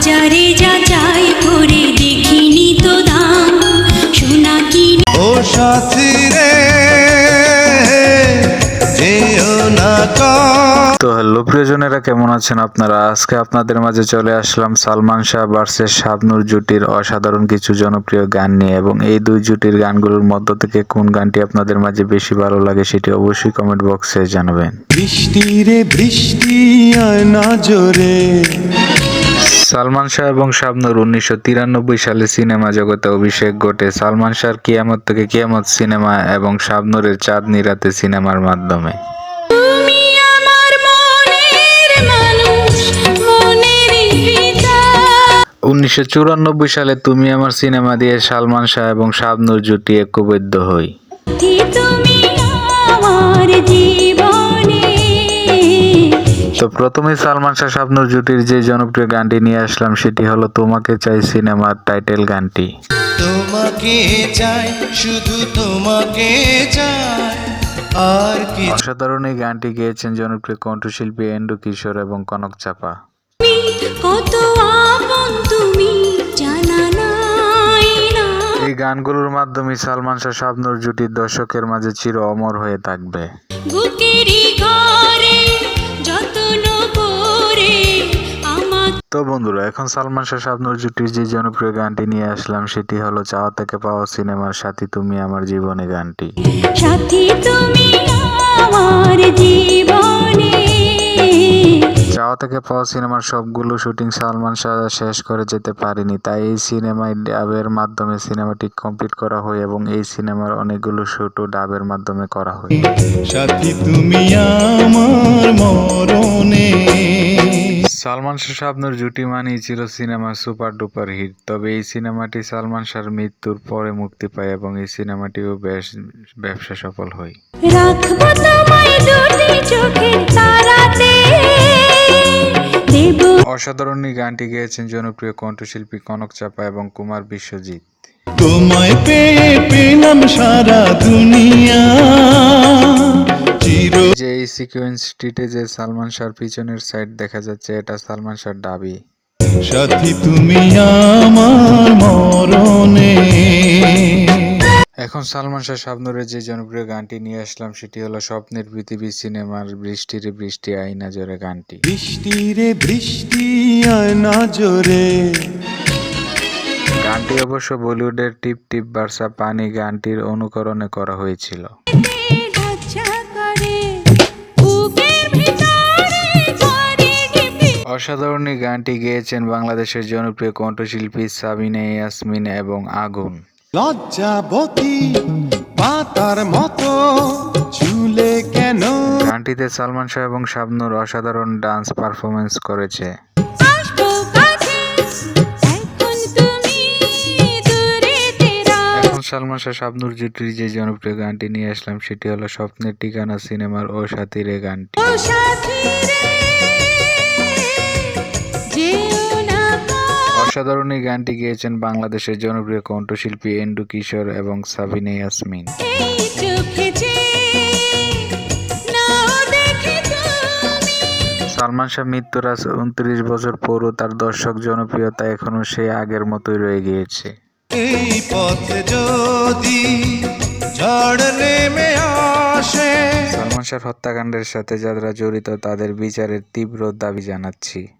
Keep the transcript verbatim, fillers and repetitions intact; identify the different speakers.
Speaker 1: বাজারে যা চাই করে দেখিনি তো দাম সোনা কিনে
Speaker 2: ও সাথী রে যেও না কম।
Speaker 3: তো হ্যালো প্রিয়জনেরা, কেমন আছেন আপনারা? আজকে আপনাদের মাঝে চলে আসলাম সালমান শাহ ভার্সেস শাবনূর জুটির অসাধারণ কিছু জনপ্রিয় গান নিয়ে, এবং এই দুই জুটির গানগুলোর মধ্য থেকে কোন গানটি আপনাদের মাঝে বেশি ভালো লাগে সেটি অবশ্যই কমেন্ট বক্সে জানাবেন।
Speaker 2: বৃষ্টি রে বৃষ্টি আয় না জোরে।
Speaker 3: সালমান শাহ এবং শাবনূর উনিশশো তিরানব্বই সালে সিনেমা জগতে অভিষেক ঘটে সালমান শাহর কিয়ামত থেকে কিয়ামত সিনেমা এবং শাবনূরের চাঁদনি রাতে সিনেমার মাধ্যমে।
Speaker 1: তুমি আমার মনের মানুষ মনের হৃদয়
Speaker 3: উনিশশো চুরানব্বই সালে তুমি আমার সিনেমা দিয়ে সালমান শাহ এবং শাবনূর জুটি ঐক্যবদ্ধ হয়।
Speaker 1: তুমি আমার জীবনে
Speaker 3: তো প্রথমে সালমান শাহ শাবনূর জুটির যে জনপ্রিয় গানটি নিয়ে আসলাম সেটি হলো তোমাকে চাই সিনেমার টাইটেল গানটি।
Speaker 2: তোমাকে চাই শুধু তোমাকে চাই আর কি।
Speaker 3: অসাধারণ এই গানটি গেয়েছেন জনপ্রিয় কণ্ঠশিল্পী এন্ডু কিশোর এবং কনক চাপা।
Speaker 1: কত আপন তুমি জানা নাই না
Speaker 3: এই গানগুলোর মাধ্যমে সালমান শাহ শাবনূর জুটি দর্শকের মাঝে চির অমর হয়ে থাকবে।
Speaker 1: বুকেরই ঘরে যত্ন করে আমার
Speaker 3: তো বন্ধুরা, এখন সালমান শাহ শাবনূর জুটির যে জনপ্রিয় গানটি নিয়ে আসলাম সেটি হলো চাওয়া থেকে পাওয়া সিনেমার সাথী তুমি আমার জীবনে গানটি।
Speaker 1: সাথী তুমি আমার জীবনে
Speaker 3: চাওয়া থেকে পাওয়া সিনেমার সবগুলো শুটিং সালমান শাহ শেষ করে যেতে পারেনি, তাই এই সিনেমায় ডাবের মাধ্যমে সিনেমাটি কমপ্লিট করা হয় এবং এই সিনেমার অনেকগুলো শুটও ডাবের মাধ্যমে করা হয়।
Speaker 2: সাথী তুমি আমার মরণে।
Speaker 3: সালমান শাহ শাবনূর জুটি মানেই ছিল সিনেমা সুপার ডুপার হিট, তবে এই সিনেমাটি সালমান শাহর মৃত্যুর পরে মুক্তি পায় এবং এই সিনেমাটিও বেশ ব্যবসা সফল হয়।
Speaker 1: রাখবো তোমায় দুটি চোখের তারাতে দেব
Speaker 3: অসাধারণ এই গানটি গেয়েছেন জনপ্রিয় কণ্ঠশিল্পী কনক চাপা এবং কুমার বিশ্বজিৎ।
Speaker 2: তোমায় পেয়ে পেলাম সারা দুনিয়া চির।
Speaker 3: যে এই সিকোয়েন্সটিতে যে সালমান শাহর পিছনের সাইড দেখা যাচ্ছে, এটা সালমান শাহর দাবি।
Speaker 2: সাথী তুমি আমার মরণে।
Speaker 3: এখন সালমান শাহ শাবনূরের যে জনপ্রিয় গানটি নিয়ে আসলাম সেটি হলো স্বপ্নের পৃথিবী সিনেমার বৃষ্টি রে বৃষ্টি আইনা জোরে গানটি।
Speaker 2: বৃষ্টি রে বৃষ্টি আয় না জোরে।
Speaker 3: গানটি অবশ্য বলিউডের টিপ টিপ বার্সা পানি গানটির অনুকরণে করা হয়েছিল।
Speaker 1: ঢাকছা করে বুকের ভিতরে ঝরে ঢিপি
Speaker 3: অসাধারণ এই গানটি গেয়েছেন বাংলাদেশের জনপ্রিয় কণ্ঠশিল্পী সাবিনা ইয়াসমিন এবং আগুন।
Speaker 2: লজ্জাবতী পাতার মতো ঝুলে কেন।
Speaker 3: গানটিতে সালমান শাহ এবং শাবনূর অসাধারণ ডান্স পারফরমেন্স করেছে।
Speaker 1: আসবো কাছে এখন তুমি দূরে তেরা
Speaker 3: এখন সালমান শাহ শাবনূর জুটির যে জনপ্রিয় গানটি নিয়ে আসলাম সেটি হলো স্বপ্নের ঠিকানা সিনেমার ও সাথী রে গানটি।
Speaker 1: ও সাথী রে যেও না কো
Speaker 3: অসাধারণ এই গানটি গেয়েছেন বাংলাদেশের জনপ্রিয় কণ্ঠশিল্পী এন্ডু কিশোর এবং সাবিনা ইয়াসমিন।
Speaker 1: এই চোখে যে নাও দেখে তুমি
Speaker 3: সালমান শাহ মৃত্যুর আজ উনত্রিশ বছর পরও তার দর্শক জনপ্রিয়তা এখনো সেই আগের মতোই রয়ে গিয়েছে।
Speaker 2: এই পথে যদি ঝড় নেমে আসে।
Speaker 3: সালমান শাহ হত্যাকাণ্ডের সাথে যারা জড়িত তাদের বিচারের তীব্র দাবি জানাচ্ছি।